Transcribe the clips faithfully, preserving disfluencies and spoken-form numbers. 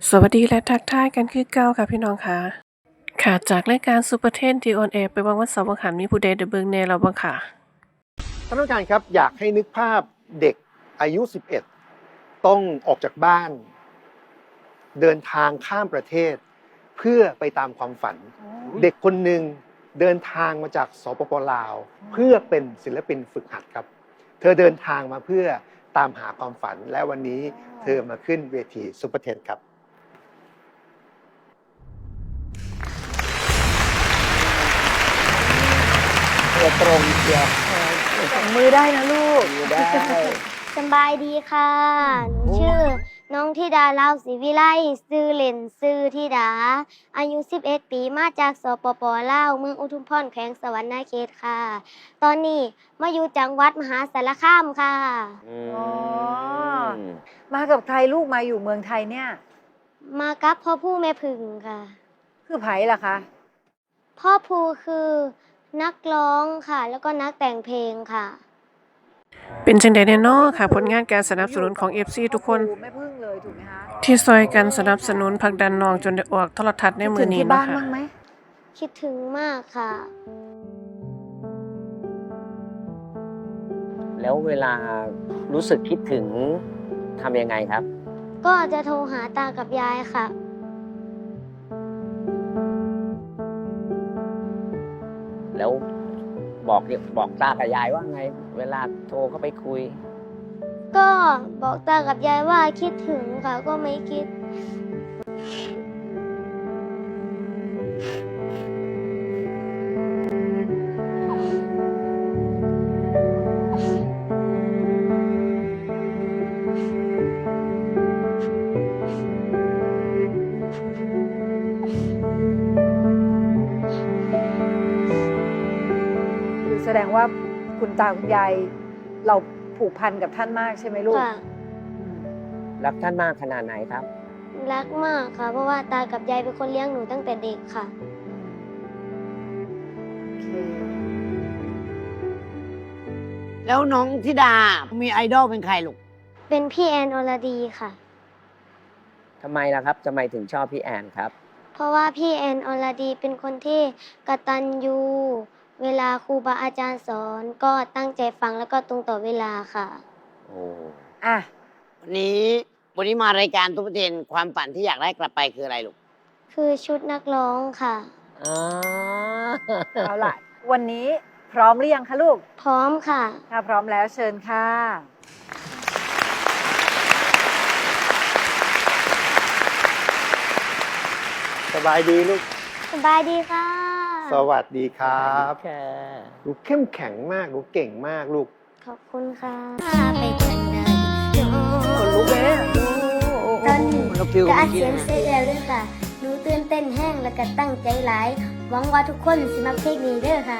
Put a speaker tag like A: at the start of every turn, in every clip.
A: สวัสดีและทักทายกันคือเก่าค่ะพี่น้องค่ะค่ะจากรายการซูเปอร์เทนที่ออนแอร์ไปวางวันเสาร์วันหันมีผู้ใดได้เบิ่งแน่แล้วบ้างค่ะ
B: ท่านผู้การครับอยากให้นึกภาพเด็กอายุสิบเอ็ดต้องออกจากบ้านเดินทางข้ามประเทศเพื่อไปตามความฝันเด็กคนหนึ่งเดินทางมาจากสปปลาวเพื่อเป็นศิลปินฝึกหัดครับเธอเดินทางมาเพื่อตามหาความฝันและวันนี้เธอมาขึ้นเวทีซูเปอร์เทนครับตัวตรงเชียว
C: ส่งมือได้นะลูก
B: มือได้
D: สบายดีค่ะ หนูชื่อน้องธิดาลาวศรีวิไลชื่อเล่นชื่อธิดา อายุสิบเอ็ดปีมาจากสปปลาวเมืองอุทุมพรแขวงสะหวรรณเขตค่ะ ตอนนี้มาอยู่จังหวัดมหาสารคามค่ะ
C: อ๋อ มากับใครลูกมาอยู่เมืองไทยเนี่ย
D: มากับพ่อผู้แม่พึ่งค่ะ
C: คือไผ่ล่ะคะ
D: พ่อภูคือนักร้องค่ะ แล้วก็นักแต่งเพลงค่ะ
A: เป็นจังใดแน่นอค่ะผลงานการสนับสนุนของ เอฟ ซี ทุกคน
C: ไม่พึ่งเลยถูกไหมคะ
A: ที่ซอยกันสนับสนุนผลักดันน้องจนได้ออกโทรทัศน์ในมือนี้
C: คิดถึงที่
A: เนาะ
C: บ้าน
A: ค่ะ
C: บ้างไหม
D: คิดถึงมากค่ะ
E: แล้วเวลารู้สึกคิดถึงทำยังไงครับ
D: ก็จะโทรหาตากับยายค่ะ
E: แล้วบอกบอกตากับยายว่าไง เวลาโทรเข้าไปคุย
D: ก็บอกตากับยายว่าคิดถึงค่ะ ก็ไม่คิด
C: คือแสดงว่าคุณตาคุณยายเราผูกพันกับท่านมากใช่ไหมลูก
D: ค่ะ
C: อืม
E: รักท่านมากขนาดไหนครับ
D: รักมากค่ะ เพราะว่าตากับยายเป็นคนเลี้ยงหนูตั้งแต่เด็กค่ะ
C: โอเค
F: แล้วน้องธิดา มีไอดอลเป็นใครลูก
D: เป็นพี่แอนอรดีค่ะ
E: ทำไมล่ะครับทำไมถึงชอบพี่แอนครับ
D: เพราะว่าพี่แอนอรดีเป็นคนที่กตัญญูเวลาครูบาอาจารย์สอนก็ตั้งใจฟังแล้วก็ตรงต่อเวลาค่ะ
E: โอ้
C: อ่ะ
F: วันนี้วันนี้มารายการตุ๊กเทนความฝันที่อยากได้กลับไปคืออะไรลูก
D: คือชุดนักร้องค่ะ
E: อ่า
C: เอาล่ะ วันนี้พร้อมหรือยังคะลูก
D: พร้อมค่ะ
C: ถ้าพร้อมแล้วเชิญค่ะ
B: สบายดีลูก
D: สบายดีค่ะ
B: สวัสดีครับ
E: ค่ะ
B: ลูกเข้มแข็งมากลูกเก่งมากลูก
D: ขอบคุณค่ะไปกันนะ
C: คนลุกเลยเนี่ย
D: ตอนนี้
F: เราฟิล
D: ก็อัดเสียงเสร็จแล้วด้วยค่ะหนูตื่นเต้นแห้งแล้วก็ตั้งใจหลาย หวังว่าทุกคนสิมาเพลงนี้เด้อค่ะ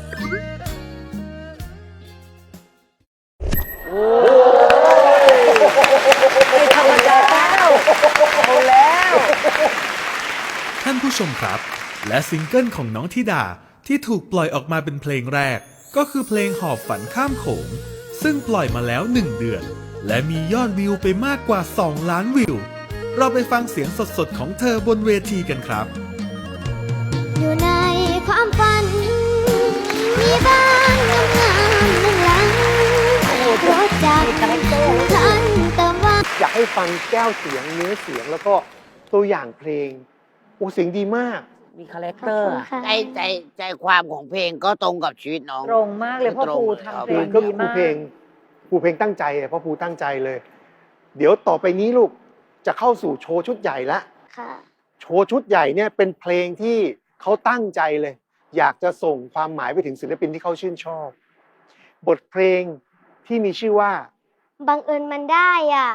C: ไม่ธรรมดาแล้วเอาแล้ว
G: ท่านผู้ชมครับ และซิงเกิลของน้องธิดาที่ถูกปล่อยออกมาเป็นเพลงแรก ก็คือเพลงหอบฝันข้ามโขงซึ่งปล่อยมาแล้วหนึ่งเดือน และมียอดวิวไปมากกว่าสองล้านวิว เราไปฟังเสียงสดๆของเธอบนเวทีกันครับ
D: อยู่ในความฝัน มีบ้านงามๆหนึ่งหลังรถจักรคันเติมว่า
B: อยากให้ฟังแก้วเสียงเนื้อเสียงแล้วก็ตัวอย่างเพลงโอ้เสียงดีมาก
E: มีคาแรค
D: ขอบ
E: เตอร์
D: คุณ
E: อะ
D: ค่ะ
F: ใจใจใจความของเพลงก็ตรงกับชีวิตน้อง
C: ตรงมากเลยพ่อ
F: ตรง
C: ครู
F: เลยครับ
C: ทำเพล
B: คื
C: ง
B: อก็
C: ดี
B: ครู
C: มาก
B: เพลงครูเพลงตั้งใจอะเพราะครูตั้งใจเลย เดี๋ยวต่อไปนี้ลูกจะเข้าสู่โชว์ชุดใหญ่ละ
D: ค่ะ
B: โชว์ชุดใหญ่เนี่ยเป็นเพลงที่เขาตั้งใจเลย อยากจะส่งความหมายไปถึงศิลปินที่เขาชื่นชอบ บทเพลงที่มีชื่อว่า
D: บังเอิญมันได้อ่ะ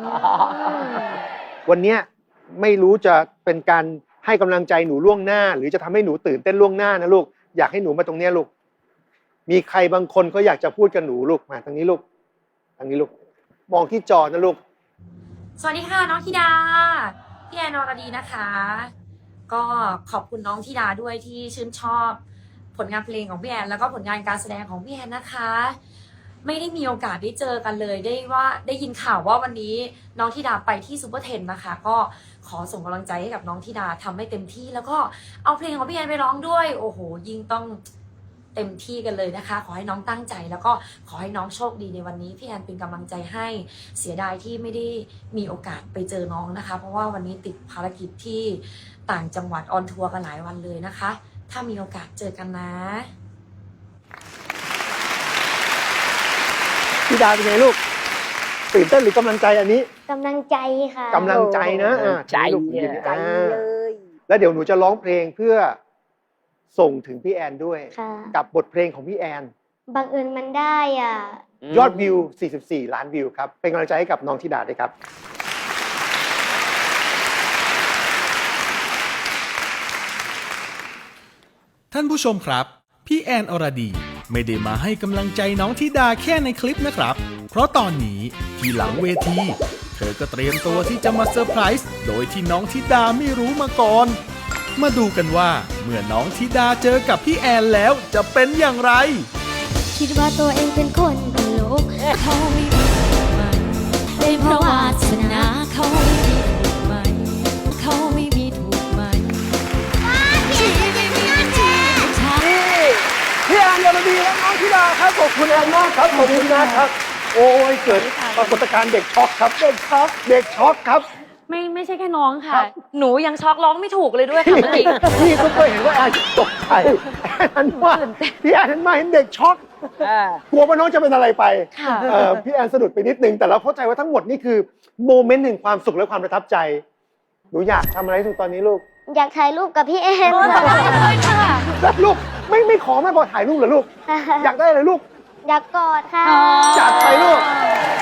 B: วันเนี้ยไม่รู้จะเป็นการให้กำลังใจหนูล่วงหน้า หรือจะทำให้หนูตื่นเต้นล่วงหน้านะลูกอยากให้หนูมาตรงเนี้ยลูกมีใครบางคนเขาอยากจะพูดกับหนูลูกมาทางนี้ลูกทางนี้ลูกมองที่จอนะลูก
H: สวัสดีค่ะน้องธิดา พี่แอนอรดีนะคะ ก็ขอบคุณน้องธิดาด้วยที่ชื่นชอบผลงานเพลงของพี่แอนแล้วก็ผลงานการแสดงของพี่แอนนะคะไม่ได้มีโอกาสได้เจอกันเลยได้ว่าได้ยินข่าวว่าวันนี้น้องธิดาไปที่ซูเปอร์เทนนะคะ ก็ขอส่งกำลังใจให้กับน้องธิดาทำให้เต็มที่แล้วก็เอาเพลงของพี่แอนไปร้องด้วยโอ้โหยิ่งต้องเต็มที่กันเลยนะคะขอให้น้องตั้งใจแล้วก็ขอให้น้องโชคดีในวันนี้พี่แอนเป็นกำลังใจให้เสียดายที่ไม่ได้มีโอกาสไปเจอน้องนะคะเพราะว่าวันนี้ติดภารกิจที่ต่างจังหวัดออนทัวร์กันหลายวันเลยนะคะถ้ามีโอกาสเจอกันนะ
B: ธิดาเป็นไงลูกตื่นเต้นหรือกำลังใจอันนี้
D: กำลังใจค่ะ
B: กำลังใจนะอ่า
E: ใจ
B: ลูก
E: เนี่ย
C: ใจ
B: อ่า
C: เลย
B: แล้วเดี๋ยวหนูจะร้องเพลงเพื่อส่งถึงพี่แอนด้วย
D: ค่ะ
B: กับบทเพลงของพี่แอน
D: บังเอิญมันได้อ่ะ
B: ยอดวิว สี่สิบสี่ ล้านวิวครับ เป็นกำลังใจให้กับน้องธิดาด้วยครับ
G: ท่านผู้ชมครับ พี่แอนอรดีไม่ได้มาให้กำลังใจน้องธิดาแค่ในคลิปนะครับ เพราะตอนนี้ที่หลังเวที เธอก็เตรียมตัวที่จะมาเซอร์ไพรส์โดยที่น้องธิดาไม่รู้มาก่อน มาดูกันว่าเมื่อน้องธิดาเจอกับพี่แอนแล้วจะเป็นอย่างไร
D: คิดว่าตัวเองเป็นคนตลกเขาไม่มีมันเป็นเพราะวาสนาเขาไม่มีถูกมันเขาไม่มีถูกมันชีวิตไม่มีที่ทาง
B: พี่แอนอรดีและน้องธิดาครับขอบคุณแอนมากครับขอบคุณนะครับ โอ้ยเกิดปรากฏการณ์เด็กช็อกครับเด็กช็อกเด็กช็อกครับ
H: ไม่ไม่ใช่แค่น้องค่ะ
B: ครับ
H: หนูยังช็อกร้องไม่ถูกเลยด้วยค่ะเมื่อกี้
B: พี่ก็เคยเห็นว่าแอนตกใจแอนหันมาพี่แอนหันมาเห็นเด็กช็อกกลัวว่าน้องจะเป็นอะไรไป
H: ค่ะ
B: เอ่อพี่แอนสะดุดไปนิดนึงแต่เราเข้าใจว่าทั้งหมดนี่คือโมเมนต์แห่งความสุขและความประทับใจหนูอยากทำอะไรที่สุดตอนนี้ลูก
D: อยากถ่ายรูปกับพี่แอน
H: เลยค่ะ
B: แล้วลูกไม่ไม่ขอแม่บอกถ่ายรูปเหรอลูก อยากได้อะไรลูก
D: อยากกอดค่ะ
B: จัดไปลูก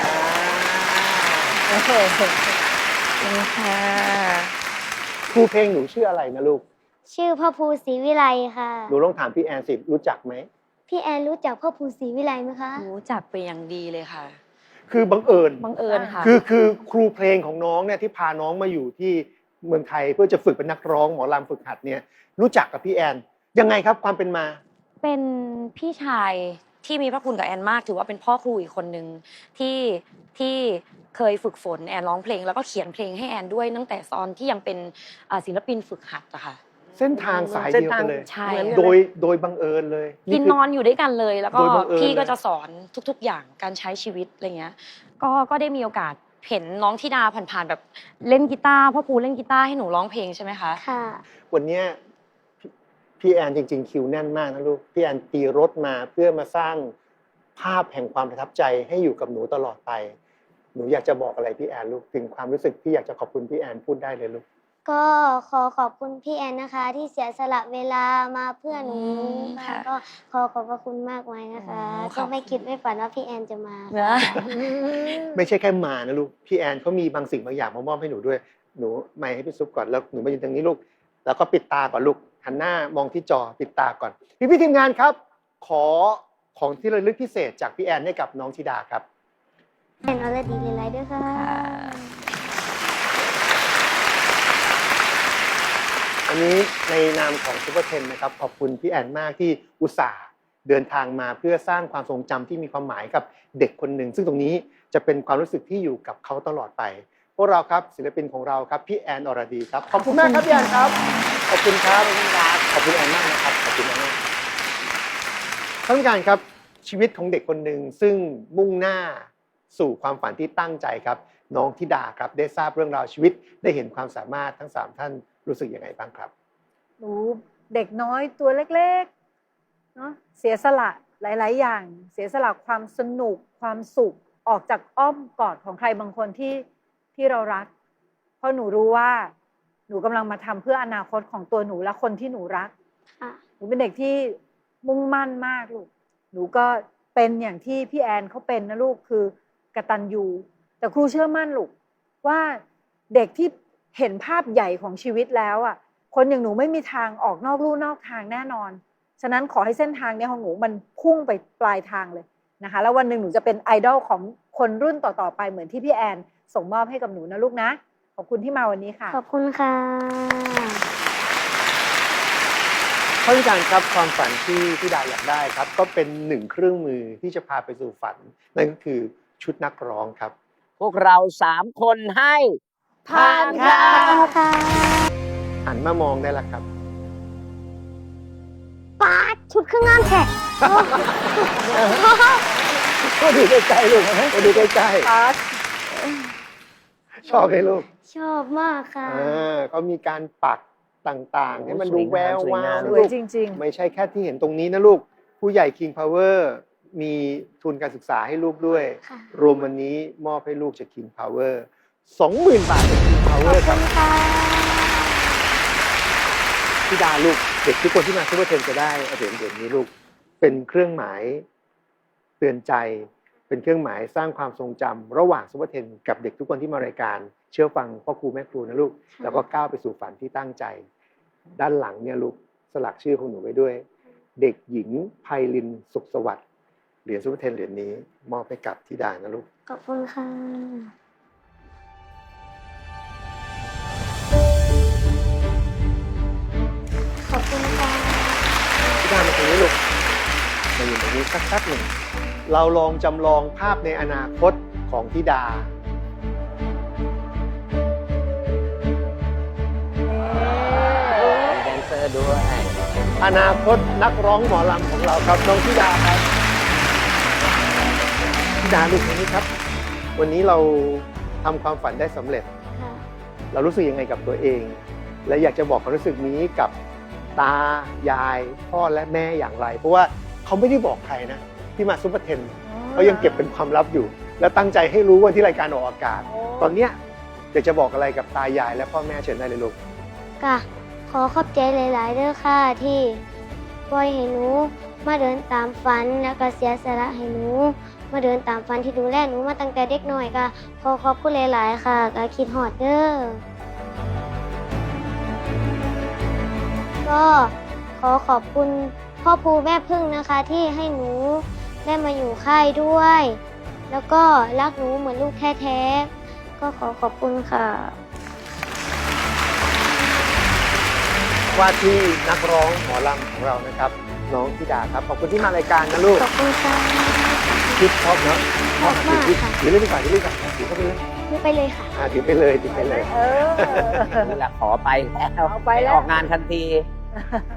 H: ค่ะ
B: ครูเพลงหนูชื่ออะไรนะลูก
D: ชื่อพ่อภูศรีวิไลค่ะ
B: หนูลองถามพี่แอนสิรู้จักไหม
D: พี่แอนรู้จักพ่อภูศรีวิไลไหมคะ
H: รู้จักไปอย่างดีเลยค่ะ
B: คือบังเอิญ
H: บังเอิญค่ะ
B: คือคือครูเพลงของน้องเนี่ยที่พาน้องมาอยู่ที่เมืองไทยเพื่อจะฝึกเป็นนักร้องหมอลำฝึกหัดเนี่ยรู้จักกับพี่แอนยังไงครับความเป็นมา
H: เป็นพี่ชายที่มีพระคุณกับแอนมากถือว่าเป็นพ่อครูอีกคนนึงที่ที่เคยฝึกฝนแอนร้องเพลงแล้วก็เขียนเพลงให้แอนด้วยตั้งแต่ตอนที่ยังเป็นอ่าศิลปินฝึกหัดอะค่ะ
B: เส้นทางสายเดียวกันเลย
H: ใช่
B: โดยโดยบังเอิญเลย
H: กิน
B: คื
H: นอนอยู่ด้วยกันเลย แล้วก็
B: โดยบังเอิญ
H: พี่ก็
B: เลย
H: จะสอนทุกๆอย่างการใช้ชีวิตอะไรเงี้ยก็ก็ได้มีโอกาสเห็นน้องธิดาผ่านๆแบบเล่นกีตาร์พ่อครูเล่นกีตาร์ให้หนูร้องเพลงใช่ไหมคะ
D: ค่ะ
B: วันเนี้ยพี่พี่แอนจริง ๆ คิวแน่นมากนะลูกพี่แอนตีรถมาเพื่อมาสร้างภาพแห่งความประทับใจให้อยู่กับหนูตลอดไป หนูอยากจะบอกอะไรพี่แอนลูกถึงความรู้สึกที่อยากจะขอบคุณพี่แอนพูดได้เลยลูก
D: ก็ขอขอบคุณพี่แอนนะคะ ที่เสียสละเวลามาเพื่อหนู
H: อืม
D: ค่ะ
H: ค่ะ
D: ก็ขอขอบพระคุณมากไว้นะคะ
H: อ๋อข
D: ก็
H: อบคุณ
D: ไม่คิดไม่ฝันว่าพี่แอนจะมา
H: นะ
B: ไม่ใช่แค่มานะลูกพี่แอนเขามีบางสิ่งบางอย่างมามอบให้หนูด้วยหนูไม่ให้พี่ซุปก่อนแล้วหนูมายืนตรงนี้ลูกแล้วก็ปิดตาก่อนลูกหันหน้ามองที่จอปิดตาก่อนพี่พี่ทีมงานครับ ขอของที่ระลึกพิเศษจากพี่แอนให้กับน้องธิดาครับ
D: แอนออลดีเลยไลด้วยค่ะ
B: อันนี้ในนามของซูเปอร์เทนนะครับขอบคุณพี่แอนมากที่อุตส่าห์เดินทางมาเพื่อสร้างความทรงจำที่มีความหมายกับเด็กคนหนึ่งซึ่งตรงนี้จะเป็นความรู้สึกที่อยู่กับเขาตลอดไปพวกเราครับศิลปินของเราครับพี่แอนอรดีครับขอบคุณมากครับพี่แอนครับขอบคุณครับขอบคุณแอนมากนะครับขอบคุณแอนมากท่านผู้การครับชีวิตของเด็กคนหนึ่งซึ่งมุ่งหน้าสู่ความฝันที่ตั้งใจครับน้องธิดาครับได้ทราบเรื่องราวชีวิตได้เห็นความสามารถทั้งสามท่านรู้สึกยังไงบ้างครับ
C: หนูเด็กน้อยตัวเล็กๆเนาะเสียสละหลายๆอย่าง เสียสละความสนุกความสุขออกจากอ้อมกอดของใครบางคนที่ที่เรารัก เพราะหนูรู้ว่าหนูกำลังมาทำเพื่ออนาคตของตัวหนูและคนที่หนูรัก
D: ค่ะ
C: หนูเป็นเด็กที่มุ่งมั่นมากลูกหนูก็เป็นอย่างที่พี่แอนเขาเป็นนะลูกคือกตัญญูแต่ครูเชื่อมั่นลูกว่าเด็กที่เห็นภาพใหญ่ของชีวิตแล้วอ่ะคนอย่างหนูไม่มีทางออกนอกลู่นอกทางแน่นอนฉะนั้นขอให้เส้นทางนี้ของหนูมันพุ่งไปปลายทางเลยนะคะแล้ววันหนึ่งหนูจะเป็นไอดอลของคนรุ่นต่อๆไปเหมือนที่พี่แอนส่งมอบให้กับหนูนะลูกนะขอบคุณที่มาวันนี้ค่ะ
D: ขอบคุณค่ะ
B: คท่านผู้การครับความฝันที่ที่ดาอยากได้ครับ ก็เป็นหนึ่งเครื่องมือที่จะพาไปสู่ฝัน นั่นก็คือชุดนักร้องครับ
E: พวกเราสามคนให้
F: ผ่านค่ะ
D: ค่ะ
B: หันมามองได้แล้วครับ
D: ป้าดชุดเครื่องงานแขก
B: ก็ดูใกล้ๆลูกก็ดูใกล้
C: อาร์ต
B: ๆชอบไหมลูก
D: ชอบมากค่ะ
B: อ่าก็มีการปักต่างๆ ให้มันดูแวววาว
C: ส
B: นะ
C: วย
B: ลูก
C: จริง
B: ไม่ใช่แค่ที่เห็นตรงนี้นะลูก ผู้ใหญ่ King Power มีทุนการศึกษาให้ลูกด้วย
D: ค่ะ
B: รวมวันนี้มอบให้ลูกจาก King Power สองหมื่น บาทจาก King Power ครับ
D: ค่ะ
B: พี่ดาลูกเด็กทุกคนที่มาซูเปอร์เทนจะได้เหรียญเหรียญนี้ลูก เป็นเครื่องหมายเตือนใจ เป็นเครื่องหมายสร้างความทรงจำระหว่างซูเปอร์เทนกับเด็กทุกคนที่มารายการ เชื่อฟังพ่อครูแม่ครูนะลูก แล้วก็ก้าวไปสู่ฝันที่ตั้งใจ ด้านหลังเนี่ยลูกสลักชื่อของหนูไว้ด้วย เด็กหญิงไพลินสุขสวัสดิ์เหรียญซูเปอร์เทนเหรียญนี้ มอบให้กับธิดานะลูก
D: ขอบคุณค่ะ ขอบคุณค่ะ
B: ธิดามาตรงนี้ลูกมาอยู่ตรงนี้สักแป๊บหนึ่งเราลองจำลองภาพในอนาคตของธิดา
E: มีแดนเซอร์ด้วย
B: อนาคตนักร้องหมอลำของเราครับน้องธิดาครับธิดาลูกคนนี้ครับ วันนี้เราทำความฝันได้สำเร็จ
D: ค่ะ
B: เรารู้สึกยังไงกับตัวเอง และอยากจะบอกความรู้สึกนี้กับตายายพ่อและแม่อย่างไร เพราะว่าเขาไม่ได้บอกใครนะที่มาซุปเปอร์เทนเขายังเก็บเป็นความลับอยู่ และตั้งใจให้รู้วันที่รายการออกอากาศ ตอนเนี้ยอยากจะบอกอะไรกับตายายและพ่อแม่เชิญได้เลยลูก
D: ค่ะ ขอขอบใจหลาย ๆ เด้อค่ะ ที่ปล่อยให้หนูมาเดินตามฝันแล้วก็เสียสละให้หนูมาเดินตามฝันที่ดูแลหนูมาตั้งแต่เด็กน้อยค่ะ ขอขอบคุณหลาย ๆ ค่ะก็คิดฮอดเด้อ ก็ขอขอบคุณพ่อภูแม่พึ่งนะคะ ที่ให้หนูได้มาอยู่ค่ายด้วย แล้วก็รักหนูเหมือนลูกแท้ๆก็ขอขอบคุณค่ะ
B: ว่าที่นักร้องหมอลำของเรานะครับ น้องธิดาครับขอบคุณที่มารายการนะลูก
D: ขอบคุณค่ะ
B: คิดชอบเนาะ
D: ชอบมากค่ะ
B: ถือเล่นดีกว่าถือเล่นดีกว่าถือเข้าไปเลย
D: ไม่ไปเลยค่ะ
B: อ่าถือไปเลยถือไปเลย
C: เออ
E: นี่แหละขอไปแล้ว
C: เอาไปแล้ว
E: ออกงานทันที